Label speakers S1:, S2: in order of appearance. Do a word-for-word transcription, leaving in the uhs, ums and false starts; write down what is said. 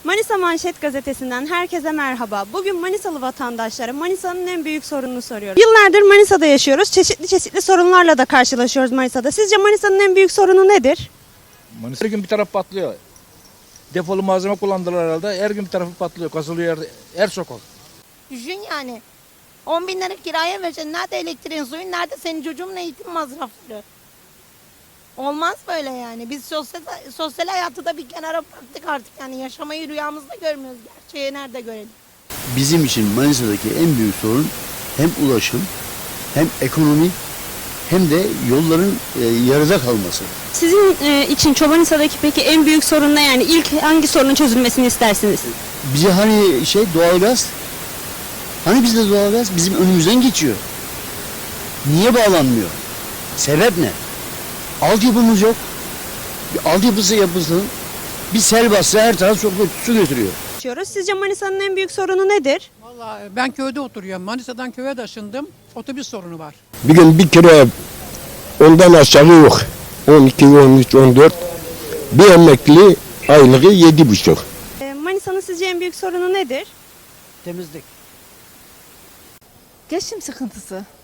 S1: Manisa Manşet Gazetesi'nden herkese merhaba. Bugün Manisalı vatandaşlara Manisa'nın en büyük sorununu soruyoruz. Yıllardır Manisa'da yaşıyoruz. Çeşitli çeşitli sorunlarla da karşılaşıyoruz Manisa'da. Sizce Manisa'nın en büyük sorunu nedir?
S2: Manisa her gün bir taraf patlıyor. Defolu malzeme kullandılar herhalde. Her gün bir tarafı patlıyor. Kazılıyor her, her sokak.
S3: Düşün yani. on bin lira kiraya vereceksin. Nerede elektriğin, suyun, nerede senin çocuğun eğitim masrafları? Olmaz böyle yani. Biz sosyal, sosyal hayatı da bir kenara bıraktık artık. Yani yaşamayı rüyamızda görmüyoruz. Gerçeği nerede görelim?
S4: Bizim için Manisa'daki en büyük sorun hem ulaşım, hem ekonomi, hem de yolların e, yarıda kalması.
S1: Sizin e, için Çobanisa'daki peki en büyük sorun ne, yani ilk hangi sorunun çözülmesini istersiniz?
S4: Bize hani şey doğalgaz, hani bizde doğalgaz bizim önümüzden geçiyor. Niye bağlanmıyor? Sebep ne? Altyapımız yok. Bir altyapısı yapılsın. Bir sel bassa her taraf su, su götürüyor.
S1: Sizce Manisa'nın en büyük sorunu nedir?
S5: Vallahi ben köyde oturuyorum. Manisa'dan köye taşındım. Otobüs sorunu var.
S6: Bir gün bir kere ondan aşağı yok. on iki, on üç, on dört. Bir emekli aylığı yedi buçuk.
S1: E, Manisa'nın sizce en büyük sorunu nedir?
S5: Temizlik.
S7: Geçim sıkıntısı.